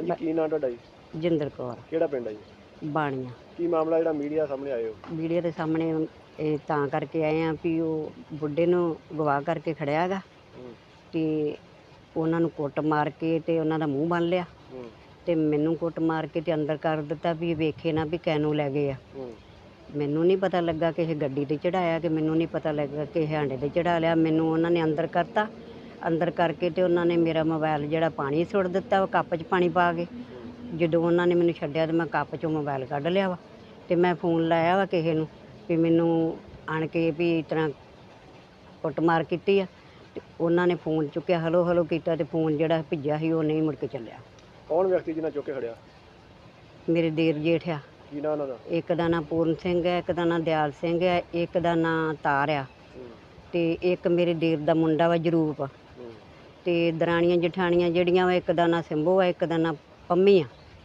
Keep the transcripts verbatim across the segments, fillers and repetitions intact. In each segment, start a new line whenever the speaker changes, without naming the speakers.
ਜੀ ਕੀ ਨਾਂ ਤੁਹਾਡਾ ਜੀ?
ਜਿੰਦਰ ਕੌਰ।
ਕਿਹੜਾ ਪਿੰਡ ਹੈ ਜੀ?
ਬਾਣੀਆਂ।
ਕੀ ਮਾਮਲਾ ਜਿਹੜਾ ਮੀਡੀਆ ਸਾਹਮਣੇ ਆਏ ਹੋ?
ਮੀਡੀਆ ਦੇ ਸਾਹਮਣੇ ਇਹ ਤਾਂ ਕਰਕੇ ਆਏ ਆ ਵੀ ਉਹ ਬੁੱਢੇ ਨੂੰ ਗਵਾਹ ਕਰਕੇ ਖੜਿਆ ਹੈਗਾ ਤੇ ਉਹਨਾਂ ਨੂੰ ਕੁੱਟ ਮਾਰ ਕੇ ਤੇ ਉਹਨਾਂ ਦਾ ਮੂੰਹ ਬੰਨ ਲਿਆ ਤੇ ਮੈਨੂੰ ਕੁੱਟ ਮਾਰ ਕੇ ਤੇ ਅੰਦਰ ਕਰ ਦਿੱਤਾ ਵੀ ਵੇਖੇ ਨਾ ਵੀ ਕੈਨੂੰ ਲੈ ਗਏ ਆ। ਮੈਨੂੰ ਨਹੀਂ ਪਤਾ ਲੱਗਾ ਕਿ ਇਹ ਗੱਡੀ ਤੇ ਚੜਾਇਆ ਕਿ ਮੈਨੂੰ ਨਹੀਂ ਪਤਾ ਲੱਗਾ ਕਿ ਇਹ ਹਾਂਡੇ ਤੇ ਚੜਾ ਲਿਆ। ਮੈਨੂੰ ਉਹਨਾਂ ਨੇ ਅੰਦਰ ਕਰਤਾ। ਅੰਦਰ ਕਰਕੇ ਤੇ ਉਹਨਾਂ ਨੇ ਮੇਰਾ ਮੋਬਾਈਲ ਜਿਹੜਾ ਪਾਣੀ ਸੁੱਟ ਦਿੱਤਾ ਉਹ ਕੱਪ 'ਚ ਪਾਣੀ ਪਾ ਕੇ। ਜਦੋਂ ਉਹਨਾਂ ਨੇ ਮੈਨੂੰ ਛੱਡਿਆ ਤੇ ਮੈਂ ਕੱਪ 'ਚੋਂ ਮੋਬਾਈਲ ਕੱਢ ਲਿਆ ਵਾ ਤੇ ਮੈਂ ਫੋਨ ਲਾਇਆ ਵਾ ਕਿਸੇ ਨੂੰ ਵੀ ਮੈਨੂੰ ਆਣ ਕੇ ਵੀ ਇਸ ਤਰ੍ਹਾਂ ਕੁੱਟਮਾਰ ਕੀਤੀ ਆ ਤੇ ਉਹਨਾਂ ਨੇ ਫੋਨ ਚੁੱਕਿਆ, ਹਲੋ ਹਲੋ ਕੀਤਾ ਤੇ ਫੋਨ ਜਿਹੜਾ ਭਿੱਜਿਆ ਸੀ ਉਹ ਨਹੀਂ ਮੁੜ ਕੇ ਚੱਲਿਆ।
ਕੌਣ ਵਿਅਕਤੀ ਜਿਹਨਾਂ ਚੁੱਕ ਕੇ ਖੜਿਆ?
ਮੇਰੇ ਦੇਰ ਜੇਠ ਆ।
ਕੀ ਨਾਂ ਉਹਨਾਂ ਦਾ?
ਇੱਕ ਦਾ ਨਾਂ ਪੂਰਨ ਸਿੰਘ ਹੈ, ਇੱਕ ਦਾ ਨਾਂ ਦਿਆਲ ਸਿੰਘ ਹੈ, ਇੱਕ ਦਾ ਨਾਂ ਤਾਰ ਆ ਤੇ ਇੱਕ ਮੇਰੇ ਦੇਰ ਦਾ ਮੁੰਡਾ ਵਾ ਜਰੂਪ ਤੇ ਦਰਾਣੀਆਂ ਜਠਾਣੀਆਂ ਜਿਹੜੀਆਂ ਵਾ ਇੱਕ ਦਾ ਨਾਂ ਸਿੰਭੂ ਆ, ਇੱਕ ਦਾ ਨਾਂ ਪੰਮੀ ਆ।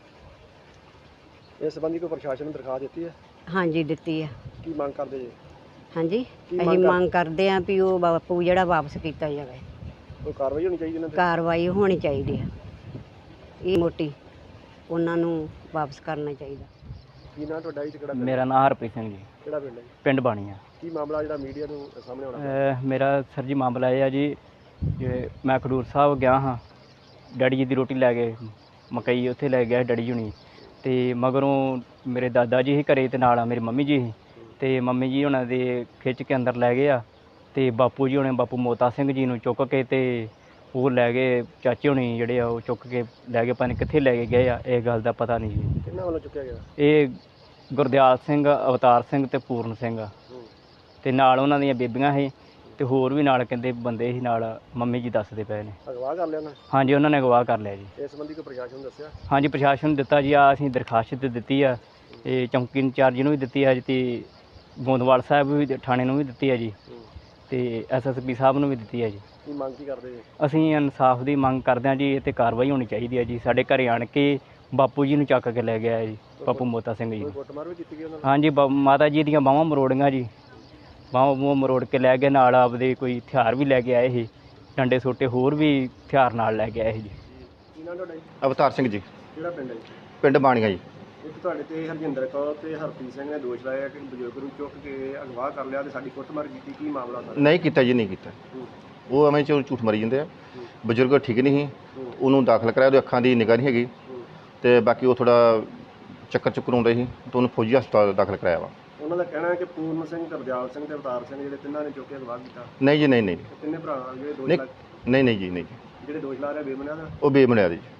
ਇਸ ਸੰਬੰਧੀ ਕੋਈ ਪ੍ਰਸ਼ਾਸਨ ਨੂੰ ਦਰਖਾਸਤ ਦਿੱਤੀ ਹੈ?
ਹਾਂਜੀ ਦਿੱਤੀ ਆ।
ਕੀ ਮੰਗ ਕਰਦੇ ਜੀ?
ਹਾਂਜੀ ਅਸੀਂ ਮੰਗ ਕਰਦੇ ਹਾਂ ਵੀ ਉਹ ਬਾਪੂ ਜਿਹੜਾ ਵਾਪਸ ਕੀਤਾ ਜਾਵੇ।
ਕੋਈ ਕਾਰਵਾਈ ਹੋਣੀ ਚਾਹੀਦੀ ਇਹਨਾਂ ਤੇ?
ਕਾਰਵਾਈ ਹੋਣੀ ਚਾਹੀਦੀ ਆ ਇਹ ਮੋਟੀ, ਉਹਨਾਂ ਨੂੰ ਵਾਪਸ ਕਰਨਾ ਚਾਹੀਦਾ।
ਕੀ ਨਾਂ ਤੁਹਾਡਾ ਜੀ? ਕਿਹੜਾ?
ਮੇਰਾ ਨਾਮ ਹਰਪ੍ਰੀਤ ਸਿੰਘ ਜੀ।
ਕਿਹੜਾ ਪਿੰਡ ਹੈ ਜੀ?
ਪਿੰਡ ਬਾਣੀਆਂ।
ਕੀ ਮਾਮਲਾ ਜਿਹੜਾ ਮੀਡੀਆ ਨੂੰ ਸਾਹਮਣੇ ਆਉਣਾ?
ਮੇਰਾ ਸਰ ਜੀ ਮਾਮਲਾ ਇਹ ਆ ਜੀ, ਜੇ ਮੈਂ ਖਡੂਰ ਸਾਹਿਬ ਗਿਆ ਹਾਂ ਡੈਡੀ ਜੀ ਦੀ ਰੋਟੀ ਲੈ ਕੇ, ਮਕਈ ਉੱਥੇ ਲੈ ਗਿਆ ਡੈਡੀ ਜੀ ਹੁਣੀ ਤੇ ਮਗਰੋਂ ਮੇਰੇ ਦਾਦਾ ਜੀ ਸੀ ਘਰੇ ਤੇ ਨਾਲ ਮੇਰੀ ਮੰਮੀ ਜੀ ਸੀ ਤੇ ਮੰਮੀ ਜੀ ਉਹਨਾਂ ਦੇ ਖਿੱਚ ਕੇ ਅੰਦਰ ਲੈ ਗਏ ਆ ਤੇ ਬਾਪੂ ਜੀ ਹੁਣੇ ਬਾਪੂ ਮੋਤਾ ਸਿੰਘ ਜੀ ਨੂੰ ਚੁੱਕ ਕੇ ਤੇ ਉਹ ਲੈ ਗਏ। ਚਾਚੇ ਹੁਣੀ ਜਿਹੜੇ ਆ ਉਹ ਚੁੱਕ ਕੇ ਲੈ ਗਏ, ਪਤਾ ਨਹੀਂ ਕਿੱਥੇ ਲੈ ਕੇ ਗਏ ਆ, ਇਹ ਗੱਲ ਦਾ ਪਤਾ ਨਹੀਂ ਜੀ।
ਕਿਹਨਾਂ ਵੱਲੋਂ ਚੁੱਕਿਆ ਗਿਆ?
ਇਹ ਗੁਰਦਿਆਲ ਸਿੰਘ, ਅਵਤਾਰ ਸਿੰਘ ਤੇ ਪੂਰਨ ਸਿੰਘ ਤੇ ਨਾਲ ਉਹਨਾਂ ਦੀਆਂ ਬੀਬੀਆਂ ਸੀ ਤੇ ਹੋਰ ਵੀ ਨਾਲ ਕਹਿੰਦੇ ਬੰਦੇ ਸੀ ਨਾਲ, ਮੰਮੀ ਜੀ ਦੱਸਦੇ ਪਏ ਨੇ।
ਅਗਵਾ ਕਰ ਲਿਆ ਉਹਨਾਂ?
ਹਾਂਜੀ ਉਹਨਾਂ ਨੇ ਅਗਵਾ ਕਰ ਲਿਆ ਜੀ।
ਇਸ ਸੰਬੰਧੀ ਕੋਈ ਪ੍ਰਸ਼ਾਸਨ ਨੂੰ ਦੱਸਿਆ?
ਹਾਂਜੀ ਪ੍ਰਸ਼ਾਸਨ ਨੂੰ ਦਿੱਤਾ ਜੀ, ਆ ਅਸੀਂ ਦਰਖਾਸਤ ਦਿੱਤੀ ਆ, ਇਹ ਚੌਂਕੀ ਇੰਚਾਰਜ ਨੂੰ ਵੀ ਦਿੱਤੀ ਆ ਜੀ ਤੇ ਗੋਂਦਵਾਲ ਸਾਹਿਬ ਵੀ ਥਾਣੇ ਨੂੰ ਵੀ ਦਿੱਤੀ ਆ ਜੀ ਤੇ ਐਸ ਐਸ ਪੀ ਸਾਹਿਬ ਨੂੰ ਵੀ ਦਿੱਤੀ ਆ ਜੀ।
ਕੀ ਮੰਗ ਕੀ ਕਰਦੇ ਜੀ?
ਅਸੀਂ ਇਨਸਾਫ ਦੀ ਮੰਗ ਕਰਦੇ ਹਾਂ ਜੀ, ਇਹ 'ਤੇ ਕਾਰਵਾਈ ਹੋਣੀ ਚਾਹੀਦੀ ਹੈ ਜੀ। ਸਾਡੇ ਘਰੇ ਆਣ ਕੇ ਬਾਪੂ ਜੀ ਨੂੰ ਚੱਕ ਕੇ ਲੈ ਗਿਆ ਜੀ, ਬਾਪੂ ਮੋਤਾ ਸਿੰਘ ਜੀ।
ਕੁੱਟਮਾਰ ਵੀ ਕੀਤੀ ਗਈ ਉਹਨਾਂ ਨਾਲ?
ਹਾਂਜੀ ਮਾਤਾ ਜੀ ਦੀਆਂ ਬਾਹਾਂ ਮਰੋੜੀਆਂ ਜੀ, ਬਾਹਾਂ ਬੂਹਾਂ ਮਰੋੜ ਕੇ ਲੈ ਗਏ, ਨਾਲ ਆਪਦੇ ਕੋਈ ਹਥਿਆਰ ਵੀ ਲੈ ਕੇ ਆਏ ਸੀ, ਡੰਡੇ ਸੋਟੇ ਹੋਰ ਵੀ ਹਥਿਆਰ ਨਾਲ ਲੈ ਕੇ ਆਏ ਸੀ ਜੀ।
ਕੀ ਨਾਂ ਤੁਹਾਡਾ ਜੀ?
ਅਵਤਾਰ ਸਿੰਘ ਜੀ।
ਕਿਹੜਾ ਪਿੰਡ ਹੈ ਜੀ?
ਪਿੰਡ ਬਾਣੀਆਂ ਜੀ।
ਇੱਕ ਤੁਹਾਡੇ ਤੇ ਹਰਜਿੰਦਰ ਕੌਰ ਤੇ ਹਰਪ੍ਰੀਤ ਸਿੰਘ ਨੇ ਦੋਸ਼ ਲਾਇਆ ਕਿ ਬਜ਼ੁਰਗ ਨੂੰ ਚੁੱਕ ਕੇ ਅਗਵਾ ਕਰ ਲਿਆ ਤੇ ਸਾਡੀ ਕੁੱਟਮਾਰ ਕੀਤੀ। ਕੀ ਮਾਮਲਾ ਸਰ?
ਨਹੀਂ ਕੀਤਾ ਜੀ, ਨਹੀਂ ਕੀਤਾ। ਉਹ ਐਵੇਂ ਚੋਂ ਝੂਠ ਮਾਰੀ ਜਾਂਦੇ ਆ। ਬਜ਼ੁਰਗ ਠੀਕ ਨਹੀਂ ਸੀ, ਉਹਨੂੰ ਦਾਖਲ ਕਰਾਇਆ, ਉਹਦੀ ਅੱਖਾਂ ਦੀ ਨਿਗਾਹ ਨਹੀਂ ਹੈਗੀ ਤੇ ਬਾਕੀ ਉਹ ਥੋੜਾ ਚੱਕਰ ਚੁੱਕਰ ਆਉਂਦੇ ਸੀ ਤੇ ਉਹਨੂੰ ਫੌਜੀ ਹਸਪਤਾਲ ਦਾਖਲ ਕਰਾਇਆ ਵਾ।
ਉਹਨਾਂ ਦਾ ਕਹਿਣਾ ਹੈ ਕਿ ਪੂਰਨ ਸਿੰਘ, ਗੁਰਦਿਆਲ ਸਿੰਘ ਤੇ ਅਵਤਾਰ ਸਿੰਘ ਜਿਹੜੇ ਤਿੰਨਾਂ ਨੇ ਚੁੱਕ ਕੇ ਅਗਵਾ ਕੀਤਾ।
ਨਹੀਂ ਜੀ, ਨਹੀਂ ਨਹੀਂ
ਤਿੰਨੇ ਭਰਾ ਜਿਹੜੇ ਦੋਸ਼
ਨਹੀਂ
ਲਾ
ਨਹੀਂ ਨਹੀਂ ਜੀ, ਨਹੀਂ
ਜਿਹੜੇ ਦੋਸ਼ ਲਾ ਰਹੇ ਬੇਬੁਨਿਆਦ?
ਉਹ ਬੇਬੁਨਿਆਦ ਜੀ।